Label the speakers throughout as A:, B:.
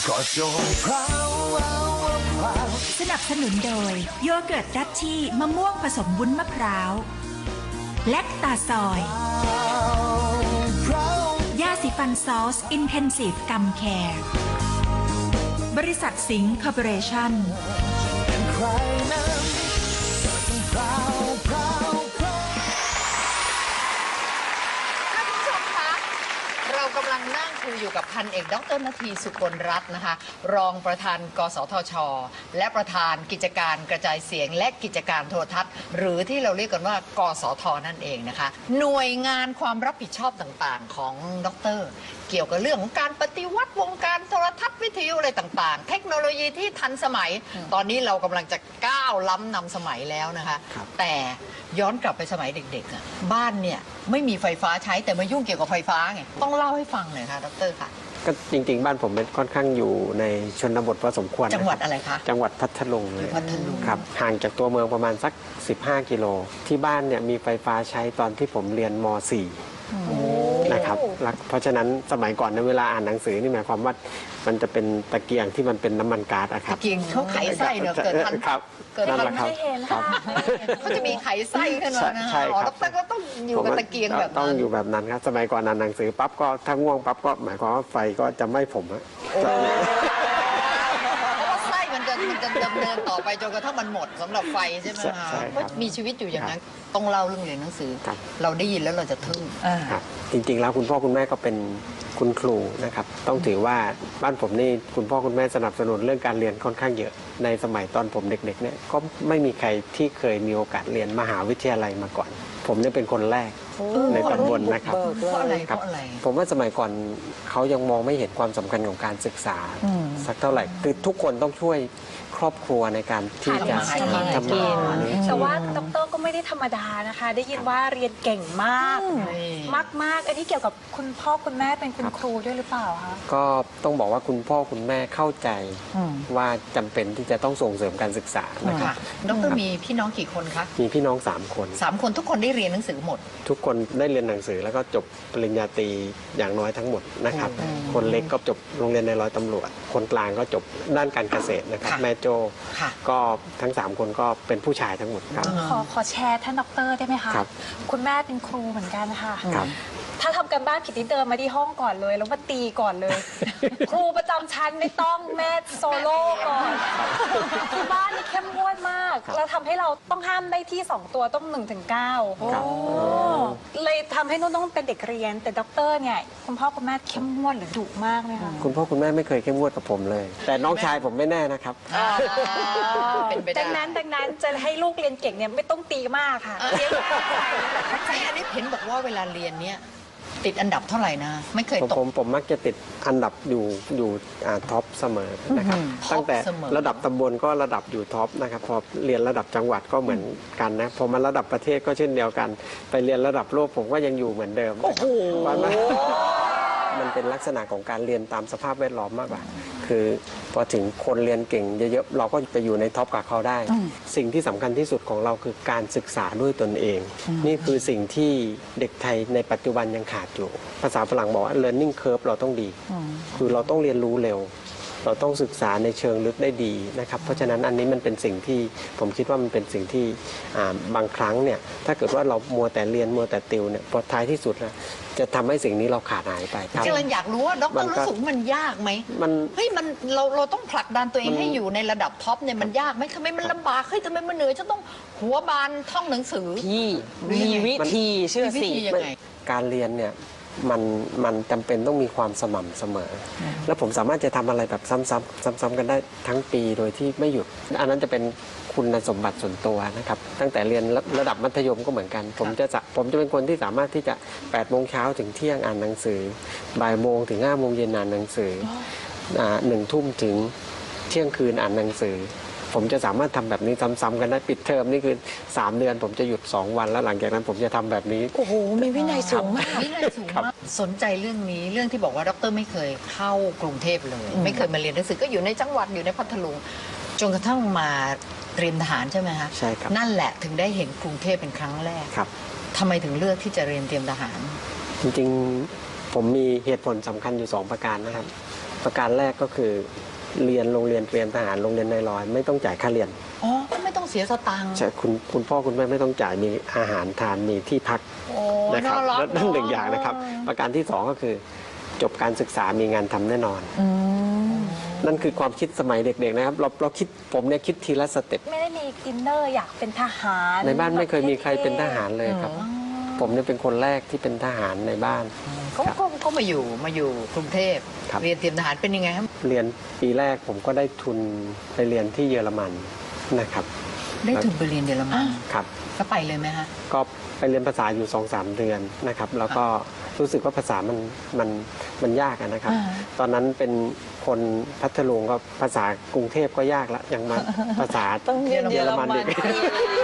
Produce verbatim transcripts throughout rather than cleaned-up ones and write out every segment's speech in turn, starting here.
A: ก็จงพราวพราว
B: สนับสนุนโดยโยเกิร์ตดัชชี่มะม่วงผสมวุ้นมะพร้าวแลคตาซอยยาสีฟันซอสอินเทนซีฟกัมแคร์บริษัทสิงห์คอร์ปอเรชั่น
C: เรากำลังนั่งคุยอยู่กับพันเอกดร.นาทีสุกลรัตน์นะคะรองประธานกสทช.และประธานกิจการกระจายเสียงและกิจการโทรทัศน์ หรือที่เราเรียกกันว่ากสท.นั่นเองนะคะหน่วยงานความรับผิดชอบต่างๆของดร.เกี่ยวกับเรื่องของการปฏิวัติวงการโทรทัศน์วิทยุอะไรต่างๆเทคโนโลยีที่ทันสมัยตอนนี้เรากำลังจะก้าวล้ำนำสมัยแล้วนะคะแต่ย้อนกลับไปสมัยเด็กๆอ่ะบ้านเนี่ยไม่มีไฟฟ้าใช้แต่มายุ่งเกี่ยวกับไฟฟ้าไงต้องเล่าให้ฟังหน่อยค่ะดร.ค่ะ
D: ก็จริงๆบ้านผมเป็นค่อนข้างอยู่ในชนบทพอสมควร
C: จังหวัดอะไรคะ
D: จังหวัดพัทลุงเลย
C: พัทลุง
D: ครับห่างจากตัวเมืองประมาณสักสิบห้ากิโลที่บ้านเนี่ยมีไฟฟ้าใช้ตอนที่ผมเรียนม สี่นะครับเพราะฉะนั้นสมัยก่อนในเวลาอ่านหนังสือนี่หมายความว่ามันจะเป็นตะเกียงที่มันเป็นน้ำมันก๊าซอะครับ
C: ตะเกียงเขาไขไส้เนอะเกิดทัน
D: ครับ
C: เกิดทันไม่
D: เห็นครับ
C: เขาจะมีไขไส้ขึ้นมานะอ๋อแล้วแต่ก็ต้องอยู่กับตะเกียงแบบนั้น
D: ต้องอยู่แบบนั้นครับสมัยก่อนอ่านหนังสือปั๊บก็ถ้าง่วงปั๊บก็หมายความว่าไฟก็จะไม่ผมอะ
C: มันจะมันจะดำเนินต่อไปจนกระทั่งมันหมดสำหรับไฟใช่ไหมคะก็มีชีวิตอยู่อย่างนั้นต้องเล่าเรื่องเรียนหนังสือเราได้ยินแล้วเราจะทึ่ง
D: ครับจริงๆแล้วคุณพ่อคุณแม่ก็เป็นคุณครูนะครับต้องถือว่าบ้านผมนี่คุณพ่อคุณแม่สนับสนุนเรื่องการเรียนค่อนข้างเยอะในสมัยตอนผมเด็กๆเนี่ยก็ไม่มีใครที่เคยมีโอกาสเรียนมหาวิทยาลัยมาก่อนผมเนี่ยเป็นคนแรกในตำบลนะครับ
C: เพราะอะไรเพราะอะไร
D: ผมว่าสมัยก่อนเขายังมองไม่เห็นความสำคัญของการศึกษาสักเท่าไหร่คือทุกคนต้องช่วยครอบครัวในการที่จะ
E: ทำกินแต่ว่าดร.ก็ไม่ได้ธรรมดานะคะได้ยินว่าเรียนเก่งมากมากมากอันนี้เกี่ยวกับคุณพ่อคุณแม่เป็นคุณครูด้วยหรือเปล่าคะ
D: ก็ต้องบอกว่าคุณพ่อคุณแม่เข้าใจว่าจำเป็นที่จะต้องส่งเสริมการศึกษานะครับ
C: ดร.มีพี่น้องกี่คนคะ
D: มีพี่น้องสามคน
C: สามคนทุกคนได้เรียนหนังสือหมด
D: ทุกคนได้เรียนหนังสือแล้วก็จบปริญญาตรีอย่างน้อยทั้งหมดนะครับคนเล็กก็จบโรงเรียนในร้อยตำรวจคนกลางก็จบด้านการเกษตรนะครับแม่โจก็ทั้งสามคนก็เป็นผู้ชายทั้งหมดครับ
E: ขอขอแชร์ท่านดร.ได้ไหมคะคุณแม่เป็นครูเหมือนกันค่ะถ้าทำกันบ้านผิดที่เดินมาที่ห้องก่อนเลยแล้วมาตีก่อนเลย ครูประจำชั้นไม่ต้องแม่โซโล่ก่อนที่บ้านนี่เข้มงวดมากเราทำให้เราต้องห้ามได้ที่สองตัวต้องหนึ่งถึงเก้าเลยทำให้นุ่นต้องเป็นเด็กเรียนแต่ด็อกเตอร์เนี่ยคุณพ่อคุณแม่เข้มงวดหรือดุมากไหมคะ
D: คุณพ่อคุณแม่ไม่เคยเข้มงวดกับผมเลยแต่น้องชายผมไม่แน่นะครับ
E: ดังนั้นดังนั้นจะให้ลูกเรียนเก่งเนี่ยไม่ต้องตีมากค่ะเรียน
C: แต่อันนี้เห็นบอกว่าเวลาเรียนเนี่ยติดอันดับเท่าไหร่นะไม่เคยตก
D: ผมผมมักจะติดอันดับอยู่อยู่ท็อปเสมอนะครับตั้งแต่ระดับตำบลก็ระดับอยู่ท็อปนะครับพอเรียนระดับจังหวัดก็เหมือนกันนะพอมาระดับประเทศก็เช่นเดียวกันไปเรียนระดับโลกผมก็ยังอยู่เหมือนเดิมโอ้โหมันเป็นลักษณะของการเรียนตามสภาพแวดล้อมมากกว่าคือพอถึงคนเรียนเก่งเยอะๆเราก็ไปอยู่ในท็อปกับเขาได้สิ่งที่สำคัญที่สุดของเราคือการศึกษาด้วยตนเองนี่คือสิ่งที่เด็กไทยในปัจจุบันยังขาดอยู่ภาษาฝรั่งบอกว่า learning curve เราต้องดีคือเราต้องเรียนรู้เร็วเราต้องศึกษาในเชิงลึกได้ดีนะครับเพราะฉะนั้นอันนี้มันเป็นสิ่งที่ผมคิดว่ามันเป็นสิ่งที่บางครั้งเนี่ยถ้าเกิดว่าเรามัวแต่เรียนมัวแต่ติวเนี่ยพอท้ายที่สุดนะจะทำให้สิ่งนี้เราขาดหายไป
C: กำลังอยากรู้ว่าดร.รู้สึกมันยากไหมมันเฮ้ยมันเราเราต้องผลักดันตัวเองให้อยู่ในระดับท็อปเนี่ยมันยากไหมทำไมมันลำบากเฮ้ยทำไมมันเหนื่อยฉันต้องหัวบานท่องหนังสือ
F: พี่มีวิธีเชื่อสิ
D: การเรียนเนี่ยมันมันจำเป็นต้องมีความสม่ำเสมอแล้วผมสามารถจะทำอะไรแบบซ้ำๆซ้ำๆกันได้ทั้งปีโดยที่ไม่หยุดอันนั้นจะเป็นคุณสมบัติส่วนตัวนะครับตั้งแต่เรียนระดับมัธยมก็เหมือนกันผมจะผมจะเป็นคนที่สามารถที่จะแปดโมงเช้าถึงเที่ยงอ่านหนังสือบ่ายโมงถึงห้าโมงเย็นอ่านหนังสือหนึ่งทุ่มถึงเที่ยงคืนอ่านหนังสือผมจะสามารถทำแบบนี้ซ้ำๆกันได้ปิดเทอมนี่คือสามเดือนผมจะหยุดสองวันแล้วหลังจากนั้นผมจะทำแบบนี้
C: โอ้โหมีวินัยสูงมากวินัยสูงมากสนใจเรื่องนี้เรื่องที่บอกว่าดร.ไม่เคยเข้ากรุงเทพเลยไม่เคยมาเรียนหนังสือก็อยู่ในจังหวัดอยู่ในพัทลุงจนกระทั่งมาเตรียมทหารใช่ไหมคะ
D: ใช่ครับ
C: นั่นแหละถึงได้เห็นกรุงเทพเป็นครั้งแรก
D: ครับ
C: ทำไมถึงเลือกที่จะเรียนเตรียมทหาร
D: จริงๆผมมีเหตุผลสำคัญอยู่สองประการนะครับประการแรกก็คือเรียนโรงเรียนเตรียมทหารโรงเรียนนายร้อยไม่ต้องจ่ายค่าเรียน
C: อ๋อก็ไม่ต้องเสียสตังค์
D: ใช่คุณคุณพ่อคุณแม่ไม่ต้องจ่ายมีอาหารทานมีที่พัก
C: โอ้
D: นะครับ
C: น่ารัก
D: และนั่นหนึ่งอย่างนะครับ ประการที่สองก็คือ จบการศึกษามีงานทำแน่นอน นั่นคือความคิดสมัยเด็กๆนะครับเราเราคิดผมเนี่ยคิดทีละสเต็ป
E: ไม่ได้มีอินเนอร์อยากเป็นทหาร
D: ในบ้านไม่เคยมีใครเป็นทหารเลยครับ ผมเนี่ยเป็นคนแรกที่เป็นทหารในบ้าน
C: ก็ก็ก็มาอยู่มาอยู่กรุงเทพ
D: ครับ
C: เรียนเตรียมทหารเป็นยังไงครับ
D: เรียนปีแรกผมก็ได้ทุนไปเรียนที่เยอรมันนะครับ
C: ได้ทุนไปเรียนเยอรมัน
D: ครับ
C: ก็ไปเลยไหมฮะ
D: ก็ไปเรียนภาษาอยู่สองสามเดือนนะครับ แล้วก็รู้สึกว่าภาษามันมันมันยากอะนะครับ ตอนนั้นเป็นคนพัทลุงก็ภาษากรุงเทพก็ยากละยังมาภาษา
F: ต้องเรียนเยอรมัน
D: อีก
C: นะ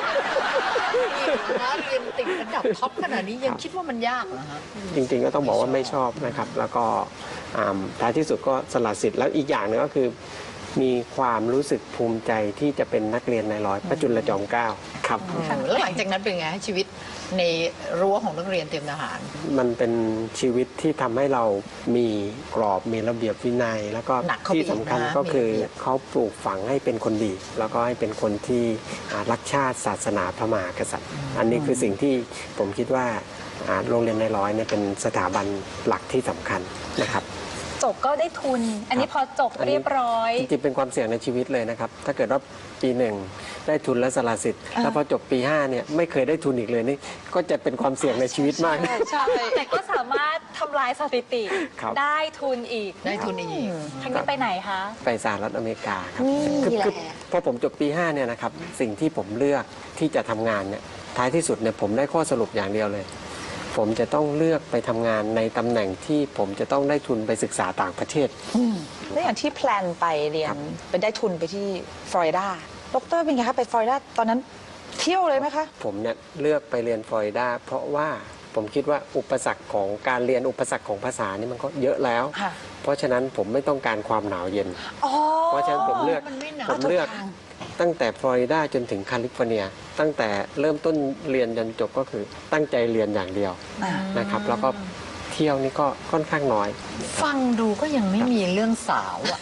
C: เรียนติดระดับท็อปขนาดนี้ยังคิดว่ามันยากเหรอฮะ
D: จริงๆก็ต้องบอกว่าไม่ชอบนะครับ แล้วก็อ่าท้ายที่สุดก็สละสิทธิ์แล้วอีกอย่างหนึงก็คือ มีความรู้สึกภูมิใจที่จะเป็นนักเรียนนายร้อยพระจุลจอมเกล้าครับ
C: แล้วหลังจากนั้นเป็นไงฮะชีวิตในรั้วของนักเรียนเตรียมทหาร
D: มันเป็นชีวิตที่ทำให้เรามีกรอบมีระเบียบวินัย แล้วก็
C: หนักเข้าไป
D: ที่สำคัญ
C: อีกนะ
D: ก็คือ
C: มีระเบียบ
D: เขาปลูกฝังให้เป็นคนดี แล้วก็ให้เป็นคนที่อ่ารักชาติศาสนาพระมหากษัตริย์ อันนี้คือสิ่งที่ผมคิดว่าอ่าโรงเรียนนายร้อยเนี่ยเป็นสถาบันหลักที่สำคัญนะครับ
E: จบก็ได้ทุน อันนี้พอจบ
D: อันนี้
E: เรียบร้อย
D: จริงๆเป็นความเสี่ยงในชีวิตเลยนะครับ ถ้าเกิดว่าปีหนึ่งได้ทุนและสละสิทธิ์แล้วพอจบปีห้าเนี่ยไม่เคยได้ทุนอีกเลยนี่ก็จะเป็นความเสี่ยงในชีวิตมาก
F: ใช่
E: แต่ก็สามารถทำลายสถิติ
D: ครับ
E: ได้ทุนอีก
C: ได้ทุนอีก
E: ครั้งนี้ไปไหนคะ
D: ไปสหรัฐอเมริกาครับคือคือพอผมจบปีห้าเนี่ยนะครับสิ่งที่ผมเลือกที่จะทำงานเนี่ยท้ายที่สุดเนี่ยผมได้ข้อสรุปอย่างเดียวเลย ผมจะต้องเลือกไปทำงานในตำแหน่งที่ผมจะต้องได้ทุนไปศึกษาต่างประเทศ
F: แล้วอย่างที่แพลนไปเรีย
D: ครั
F: น
D: บ
F: ไปได้ทุนไปที่ฟลอริดาดรเป็นไงคะไปฟลอริดาตอนนั้นเที่ยวเลยไหมคะ
D: ผมเนี่ยเลือกไปเรียนฟลอริดาเพราะว่าผมคิดว่าอุปสรรคของการเรียนอุปสรรคของภาษานี่มันก็เยอะแล้ว
F: ค่ะ
D: เพราะฉะนั้นผมไม่ต้องการความหนาวเย็น
F: อ๋อ
D: เพราะฉะนั้นผมเลือก
C: มันไม่หนาว
D: ผมเลือกตั้งแต่ฟลอริดาจนถึงแคลิฟอร์เนีย ตั้งแต่เริ่มต้นเรียนจนจบก็คือตั้งใจเรียนอย่างเดียว
F: อ่า
D: นะครับ แล้วก็เที่ยวนี่ก็ค่อนข้างน้อย
C: ฟังดูก็ยังไม่มีเรื่องสาวอะ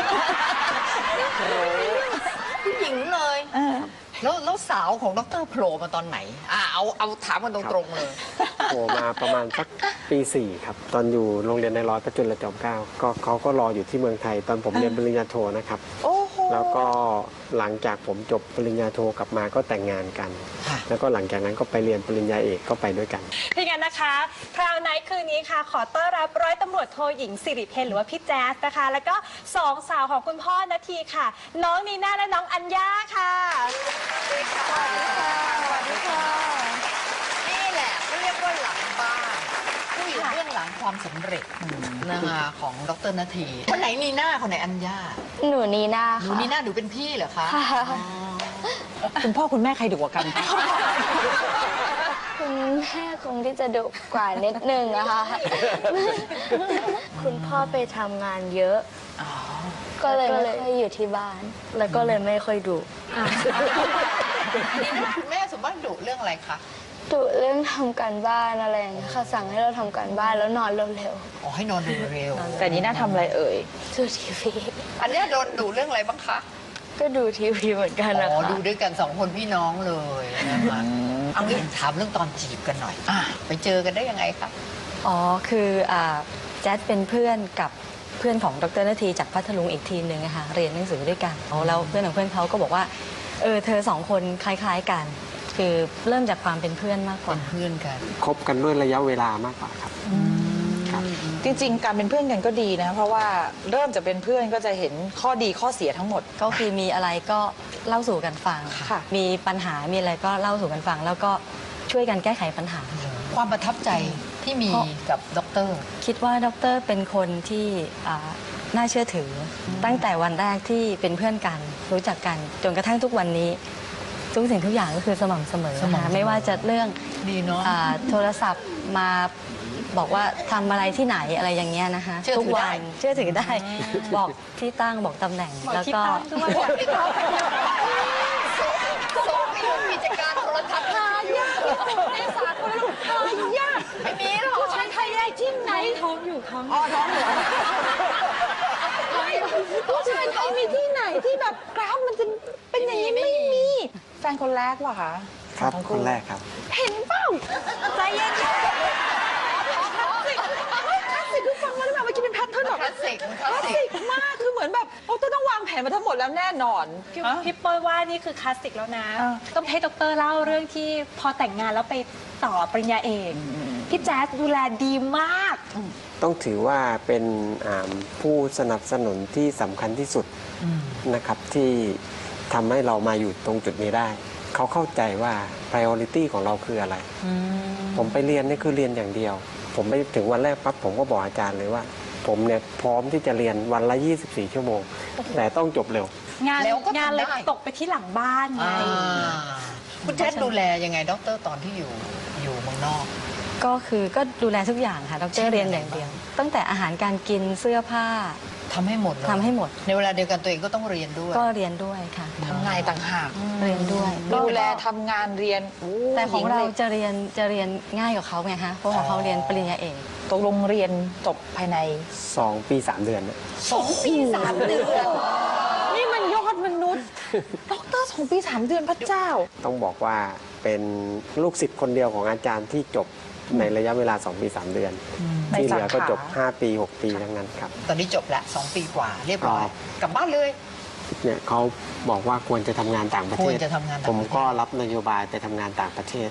C: ผู้หญิงเลย แล้วแล้วสาวของดรโผล่มาตอนไหนอ่าเอาเอาถามกันตรงๆเลย
D: โผล่มาประมาณสักปีสี่ครับ ตอนอยู่โรงเรียนในร้อยพระจุลจอมเกล้าก็เขาก็รออยู่ที่เมืองไทย ตอนผมเรียนปริญญาโทนะครับ
F: โอ้โห
D: แล้วก็หลังจากผมจบปริญญาโทกลับมาก็แต่งงานกัน
C: ค่ะ
D: แล้วก็หลังจากนั้นก็ไปเรียนปริญญาเอกก็ไปด้วยกัน
E: ที่งั้นนะคะพราวไนท์คืนนี้ค่ะ ขอต้อนรับร้อยตำรวจโทหญิงสิริเพนหรือว่าพี่แจ๊สนะคะ แล้วก็สองสาวของคุณพ่อนาทีค่ะ น้องนีน่าและน้องอัญญาค่ะสวัสดีค่ะสวัสดีค่ะ
C: นี่แหละเขาเรียกว่าหลังบ้านผู้อยู่เบื้องหลังความสำเร็จนะคะของดรนาทีคนไหนนีน่าคนไหนอัญญา
G: หนูนีน่า
C: หนู
G: ค่ะ
C: นีน่าหนูเป็นพี่เหรอคะ
G: ค่ะ
C: อ๋อ
F: คุณพ่อคุณแม่ใครดุกว่ากัน
G: คุณแม่คงที่จะดุกว่านิดนึงนะคะ คุณพ่อไปทำงานเยอะ ก็เลยไม่ค่อยอยู่ที่บ้าน แล้วก็เลยไม่ค่อยดุ
C: นีน่าคุณแม่สมมติดุเรื่องอะไรคะ
G: ดุเรื่องทำการบ้านอะไรอย่างเงี้ยค่ะสั่งให้เราทำการบ้านแล้วนอนเร็ว
C: อ๋อให้นอนเร็ว
F: แต่นี้น่าทำอะไรเอ่ย
G: ๆดูทีวี
C: ๆอันเนี้ยโดนดุเรื่องอะไรบ้างคะ
G: ก็ดูทีวีเหมือนกัน
C: อ๋
G: นะ
C: อ
G: คะ
C: ดูด้วยกันสองคนพี่น้องเลยนะคะเอางี้ถามเรื่องตอนจีบกันหน่อยอ่ะไปเจอกันได้ยังไงคะ
H: อ๋อ คืออ่าแจ๊ดเป็นเพื่อนกับเพื่อนของดรนาทีจากพัทลุงอีกทีมหนึ่งอะค่ะเรียนหนังสือด้วยกันแล้วเพื่อนของเพื่อนเขาก็บอกว่าเออเธอสองคนคล้ายๆกัน คือเริ่มจากความเป็นเพื่อนมากก
C: เป็
H: ว่า
C: นเพื่อนกัน
D: คบกันด้วยระยะเวลามากกว่าครับ ครับ
F: จริงๆ การเป็นเพื่อนกันก็ดีนะ เพราะว่าเริ่มจะเป็นเพื่อนก็จะเห็นข้อดีข้อเสียทั้งหมด
H: ก็คือมีอะไรก็เล่าสู่กันฟัง
F: ค่ะ
H: มีปัญหามีอะไรก็เล่าสู่กันฟัง แล้วก็ช่วยกันแก้ไขปัญหา
C: ความประทับใจที่มีกับดร
H: คิดว่าดรเป็นคนที่อ่าน่าเชื่อถืออตั้งแต่วันแรกที่เป็นเพื่อนกันรู้จักกันจนกระทั่งทุกวันนี้ ทุกสิ่งทุกอย่างก็คือสม่ำเสมอ
C: สม่ำเสมอ
H: นะคะไม่ว่าจะเรื่อง
C: ดีเนาะ
H: อ่าโทรศัพท์มาบอกว่าทำอะไรที่ไหนอะไรอย่างเงี้ยนะคะ
C: เชื่อถือ
H: ทุกวั
C: ได้
H: เชื่อถือได้ บอกที่ตั้งบอกตำแหน่ง
E: บอก
H: แล้ว
E: ที่
H: ก็
E: ตั้งด้วยบอกที่ตั้ง
C: ส่งไปอยู่กิจการโทรทัศน์
E: ในสากลลูกค้ายาก
C: ไม่มีหรอก
E: ผู้ชายไทยได้ที่ไหนท้องอยู่ท้อง
C: อ๋อท้องเหรอ
F: มีที่ไหนที่แบบกราฟมันจะเป็นอย่างนี้ไม่มีแฟนคนแรกว่ะคะ
D: ครับ
F: ของ
D: คนแรกครับ
F: เห็นเปล่าใจเย็นคลาสสิกคลาสสิกคือฟังมาแล้วแบบเมื่อกี้เป็นแพทเทิร์นแบบ
C: คลาสสิกค
F: ค
C: ลา
F: ลา
C: ส
F: ส
C: สิ
F: สิ
C: ก
F: กมากคือเหมือนแบบโอ้ต้องวางแผนมาทั้งหมดแล้วแน่นอน
E: พี่
F: ฮะ
E: พี่เปิ้ลว่านี่คือคลาสสิกแล้วนะ
F: อ่า
E: ต้องให้ดรเล่าเรื่องที่พอแต่งงานแล้วไปต่อปริญญาเอกพี่แจ๊สดูแลดีมาก
D: ต้องถือว่าเป็นอ่าผู้สนับสนุนที่สำคัญที่สุดนะครับที่ทำให้เรามาอยู่ตรงจุดนี้ได้ เขาเข้าใจว่า priority ของเราคืออะไร ผมไปเรียนนี่คือเรียนอย่างเดียว ผมไปถึงวันแรกปั๊บผมก็บอกอาจารย์เลยว่า ผมเนี่ยพร้อมที่จะเรียนวันละ ยี่สิบสี่ ชั่วโมง แต่ต้องจบเร็ว
E: งาน
C: แล้วก็ทำ
E: งานเลย
C: ได้
E: ตกไปที่หลังบ้านไง
C: อ่าคุณแจ๊ดดูแลยังไงด็อกเตอร์ตอนที่อยู่อยู่เมืองนอก
H: ก็คือก็ดูแลทุกอย่างค่ะด
C: ใช่
H: รเรียนอย่างเดียว ตั้งแต่อาหารการกินเสื้อผ้า
C: ทำให้หมดเลย
H: ทำให้หมด
C: ในเวลาเดียวกันตัวเองก็ต้องเรียนด้วย
H: ก็เรียนด้วยค่ะ
F: ทำงานต่างหาก
H: เรียนด้วย
F: ดูแลทำงานเรียน
H: แต่ของเรา
F: หญิลย
H: จะเรียนจะเรียนง่ายกว่าเขาไงคะเพราะของเขาเรียนปริญญาเอก
F: ตกลงเรียนจบภายใน
D: สอง ปี สาม เดือนนะ
C: สองปีสามเดือน
F: นี่มันยอดมนุษย์ด็อกเตอร์สองปีสามเดือนพระเจ้า
D: ต้องบอกว่าเป็นลูกศิษย์คนเดียวของอาจารย์ที่จบในระยะเวลา สอง ปี สาม เดือน
F: ใน
D: ที่เหลือก็
F: สาขา
D: จบ ห้า ปี หก ปีทั้งนั้นครับ
C: ตอนนี้จบละสองปีกว่าเรียบร้อย
D: ครับ
C: กลับบ้านเลย
D: เนี่ยเขาบอกว่าควรจะทำงานต่างประเท
C: คว
D: ศ
C: รจะทำงานต่างประเทศ
D: ผมก็รับนโยบายไปทำงานต่างประเทศ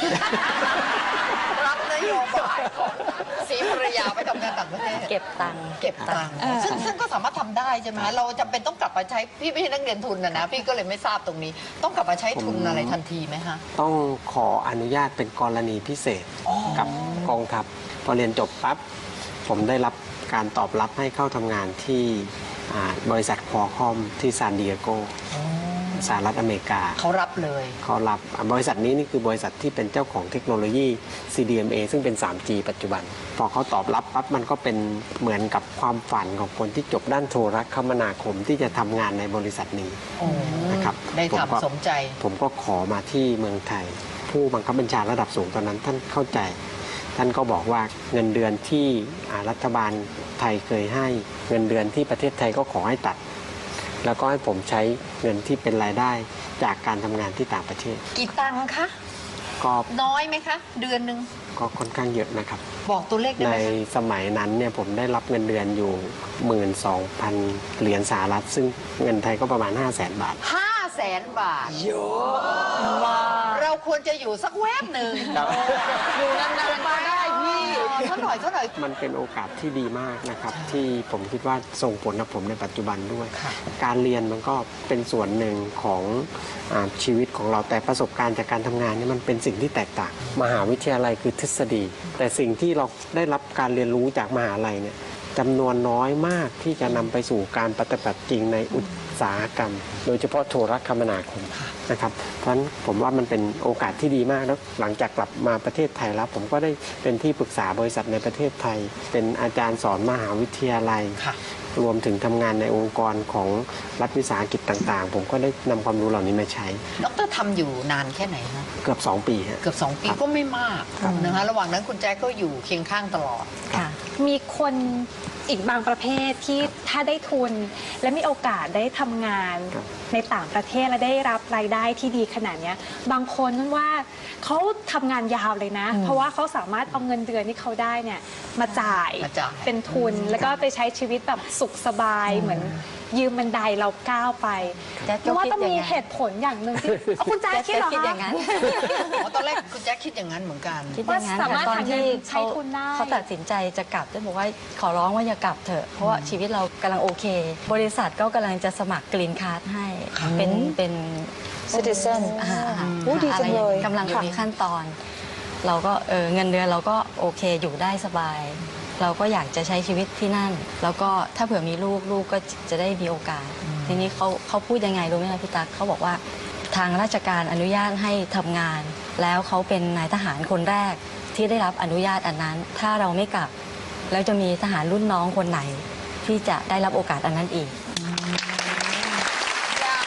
C: รับนโยบายของศรีภรรยาไปทำงานต่างประเทศ
H: เก็บตังค์
C: เก็บตังค์ซึ่งซึ่งก็สามารถทำได้ใช่ไหมเราจำเป็นต้องกลับมาใช้พี่ไม่ใช่นักเรียนทุนนะนะพี่ก็เลยไม่ทราบตรงนี้ ต้องกลับมาใช้ทุน
D: ผม
C: อะไรทันทีไหมฮะ
D: ต้องขออนุญาตเป็นกรณีพิเศษกับกองทัพพอเรียนจบปั๊บผมได้รับการตอบรับให้เข้าทำงานที่อ่าบริษัทควอลคอมที่ซานดิเอโกสหรัฐอเมริกา
C: เขารับเลย
D: เขารับบริษัทนี้นี่คือบริษัทที่เป็นเจ้าของเทคโนโลยี ซี ดี เอ็ม เอ ซึ่งเป็น ทรี จี ปัจจุบัน พอเขาตอบรับปั๊บมันก็เป็นเหมือนกับความฝันของคนที่จบด้านโทรคมนาคมที่จะทำงานในบริษัทนี้นะครับ
C: ได้
D: ผมก็
C: ทำสมใจ
D: ผมก็ขอมาที่เมืองไทย ผู้บังคับบัญชาระดับสูงตอนนั้นท่านเข้าใจ ท่านก็บอกว่าเงินเดือนที่อ่ารัฐบาลไทยเคยให้เงินเดือนที่ประเทศไทยก็ขอให้ตัด แล้วก็ให้ผมใช้เงินที่เป็นรายได้จากการทำงานที่ต่างประเทศ
C: กี่ตังค์คะ
D: ก็
C: น้อยไหมคะ เดือนหนึ่ง
D: ก็ค่อนข้างเยอะนะครับ
C: บอกตัวเลขได้
D: ใน
C: ไหมคะ
D: สมัยนั้นเนี่ยผมได้รับเงินเดือนอยู่ หนึ่งหมื่นสองพัน เหรียญสหรัฐ ซึ่งเงินไทยก็ประมาณ ห้าแสน บาท
C: ห้าแสนบาทเยอะมากเราควรจะอยู่สักแวบหนึ่ง
F: อยู่นานๆก็ได้พี่
C: เท่าหน่อยเท่าหน่อย
D: มันเป็นโอกาสที่ดีมากนะครับ ที่ผมคิดว่าส่งผลกับผมในปัจจุบันด้วย
C: ค่ะ
D: การเรียนมันก็เป็นส่วนหนึ่งของอาชีวิตของเราแต่ประสบการณ์จากการทำงานนี่มันเป็นสิ่งที่แตกต่าง มหาวิทยาลัยคือทฤษฎี แต่สิ่งที่เราได้รับการเรียนรู้จากมหาลัยเนี่ยจำนวนน้อยมากที่จะนำไปสู่การปฏิบัติจริงในอุตสาหกรรม โดยเฉพาะโทรคมนาคมนะครับ เพราะฉะนั้นผมว่ามันเป็นโอกาสที่ดีมากแล้วหลังจากกลับมาประเทศไทยแล้ว ผมก็ได้เป็นที่ปรึกษาบริษัทในประเทศไทย เป็นอาจารย์สอนมหาวิทยาลัย
C: ค่ะ
D: รวมถึงทำงานในองค์กรของรัฐวิสาหกิจต่างๆ ผมก็ได้นำความรู้เหล่านี้มาใช้
C: ดรทำอยู่นานแค่ไหนฮะ
D: เกือบสองปีฮะ
C: เกือบสองปี
D: ครับ
C: ก็ไม่มาก
D: ครับ
C: นะคะระหว่างนั้นคุณแจ๊คก็อยู่เคียงข้างตลอด
H: ค่ะ
E: มีคนอีกบางประเภทที่ถ้าได้ทุน และมีโอกาสได้ทำงาน
D: ครับ
E: ในต่างประเทศและได้รับรายได้ที่ดีขนาดเนี้ยบางคนนั่นว่าเขาทำงานยาวเลยนะ เพราะว่าเขาสามารถเอาเงินเดือนที่เขาได้เนี่ยมาจ่าย
C: มาจ่าย
E: เป็นทุน แล้วก็ไปใช้ชีวิตแบบสุขสบายเหมือนยืมบันไดเราก้าวไป
H: แจ๊คก็
E: เพราะว่า
H: คิด
E: ต้องมี
H: อย่างนั้น
E: เหตุผลอย่างหนึ่งที่เอาคุณแจ๊คคิดเหรอ
H: คิด
E: คะ
H: อย่างนั้น
C: อ๋อตอนแรกคุณแจ๊คคิดอย่างนั้นเหมือนกัน
H: คิดอย่างนั้น
E: ว่าสามารถ
H: ค่ะตอนที่
E: หาเงินใช้
H: เขา
E: ทุนได้
H: เขาตัดสินใจจะกลับจะบอกว่าขอร้องว่าอย่ากลับเถอะ เพราะว่าชีวิตเรากำลังโอเค บริษัทก็กำลังจะสมัครกรีนคาร์ดให้ เป็นเป็น
F: Citizen
H: อ่า
F: โอ้ดีจังเลย
H: กำลังอยู่ในขั้นตอน เราก็เออเงินเดือนเราก็โอเคอยู่ได้สบาย เราก็อยากจะใช้ชีวิตที่นั่น แล้วก็ถ้าเผื่อมีลูกลูกก็จะได้มีโอกาส ทีนี้เขาเขาพูดยังไงรู้ไหมคะพี่ตั๊กเขาบอกว่าทางราชการอนุญาตให้ทำงาน แล้วเขาเป็นนายทหารคนแรกที่ได้รับอนุญาตอันนั้น ถ้าเราไม่กลับ แล้วจะมีทหารรุ่นน้องคนไหน ที่จะได้รับโอกาสอันนั้นอีก
C: อยาก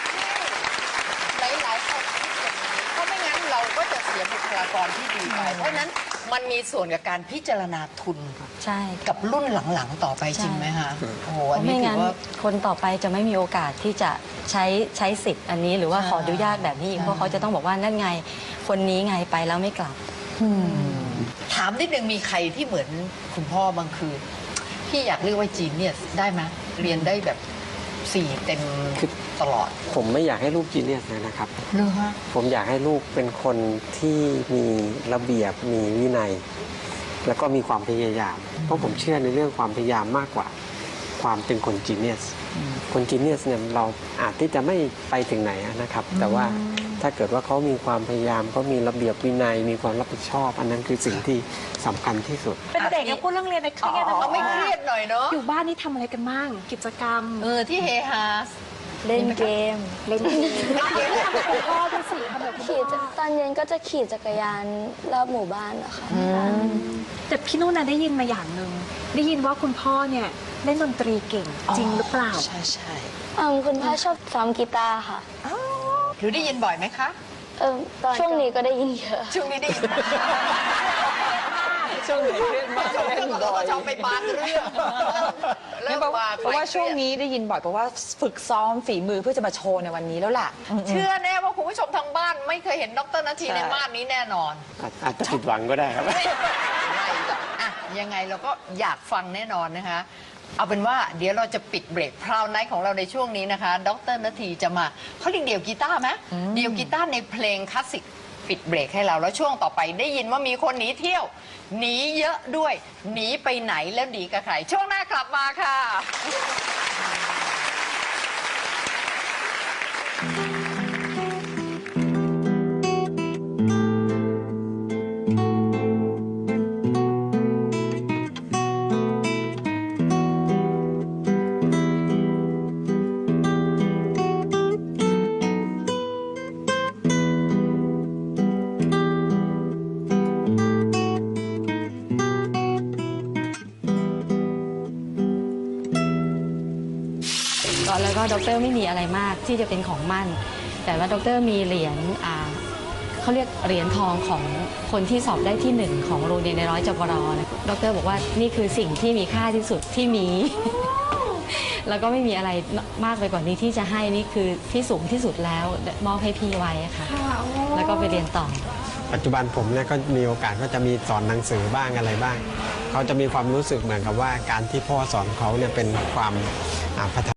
C: ให้หลายๆคนคิดอย่างนี้เพราะไม่งั้นเราก็จะเสียบุคลากรที่ดีไป เพราะฉะนั้นมันมีส่วนกับการพิจารณาทุน
H: ใช่
C: กับรุ่นหลังๆต่อไปจริงไหมคะโอ้โหอัน
H: เพราะ
C: นี้
H: ไม่
C: ถื
H: งั้
C: อน ว่า
H: คนต่อไปจะไม่มีโอกาสที่จะใช้ใช้สิทธิ์อันนี้หรือว่าขออนุญาตแบบนี้อีกเพราะเขาจะต้องบอกว่านั่นไงคนนี้ไงไปแล้วไม่กลับ
C: ถามนิดนึงมีใครที่เหมือนคุณพ่อบางคืนพี่อยากเรียกว่าจีนเนี่ยได้ไหมเรียนได้แบบสี่เต็มตลอด
D: ผมไม่อยากให้ลูกจีเนียสเลยนะครับ
C: เหรอฮะ
D: ผมอยากให้ลูกเป็นคนที่มีระเบียบมีวินัย แล้วก็มีความพยายาม เพราะผมเชื่อในเรื่องความพยายามมากกว่าความเป็นคนจีเนียสคนจีเนียสเนี่ยเราอาจที่จะไม่ไปถึงไหนนะครับ แต่ว่าถ้าเกิดว่าเขามีความพยายามเขามีระเบียบวินัย มีความรับผิดชอบ อันนั้นคือสิ่งที่สำคัญที่สุด
E: เป็นเด็กก็พูดเรื่องเรียนในเครียดนะ
C: เอาไม่เครียดหน่อยเนาะ
E: อยู่บ้านนี่ทำอะไรกันบ้างกิจกรรม
C: เออที่เฮฮา
G: เล่นเกม
E: เล่นเกมทำกับคุณพ่อด้วยสิทำแบบคุณพ่
G: ขี่
E: อ
G: จักตอนเย็นก็จะขี่จักรยานรอบหมู่บ้านนะคะ
E: แต่พี่นุ่นน่ะได้ยินมาอย่างหนึ่งได้ยินว่าคุณพ่อเนี่ยเล่นดนตรีเก่งจริงหรือเปล่า
C: ใช่ใช่
G: อืมคุณพ่อชอบซ้อมกีตาร์ค่ะ
C: หรือได้ยินบ่อยไหมคะ
G: เออช่วงนี้ก็ได้ยินเยอะ
C: ช่วงนี้ได้ยิน
F: ช่วงนี้เครียดมาก
C: ช่วง
F: เล่
C: นี้
F: น
C: ก็
F: บ่อย
C: ชอบไปบานเรื่อง
F: เนี่ยเพราะว่าเพราะว่าช่วงนี้ได้ยินบ่อยเพราะว่าฝึกซ้อมฝีมือเพื่อจะมาโชว์ในวันนี้แล้วล่ะ
C: เชื่อแน่ว่าคุณผู้ชมทางบ้านไม่เคยเห็นดรนาที
F: ใช่
C: ในม่านนี้แน่นอน
D: อาจอาจจะผิดหวังก็ได้ครับ
C: ไม่หรอกอ่ะยังไงเราก็อยากฟังแน่นอนนะคะ เอาเป็นว่าเดี๋ยวเราจะปิดเบรกพราวไนท์ของเราในช่วงนี้นะคะ ดรนาทีจะมาเขาเรียกเดี่ยวกีตาร์ไหมเดี่ยวกีตาร์ในเพลงคลาสสิกปิดเบรกให้เราแล้วช่วงต่อไปได้ยินว่ามีคนหนีเที่ยว หนีเยอะด้วย หนีไปไหนแล้วหนีกับใคร ช่วงหน้ากลับมาค่ะ
H: ก็แล้วก็ดรไม่มีอะไรมากที่จะเป็นของมั่น แต่ว่าดรมีเหรียญอ่าเขาเรียกเหรียญทองของคนที่สอบได้ที่หนึ่งของโรงเรียนในร้อยจปรนะดรบอกว่านี่คือสิ่งที่มีค่าที่สุดที่มี แล้วก็ไม่มีอะไรมากไปกว่านี้ที่จะให้นี่คือที่สูงที่สุดแล้วมอบให้พี่ไว้ค่ะแล้วก็ไปเรียนต่อ
D: ปัจจุบันผมเนี่ยก็มีโอกาสก็จะมีสอนหนังสือบ้างอะไรบ้าง เขาจะมีความรู้สึกเหมือนกับว่าการที่พ่อสอนเขาเนี่ยเป็นความอ่าพัฒ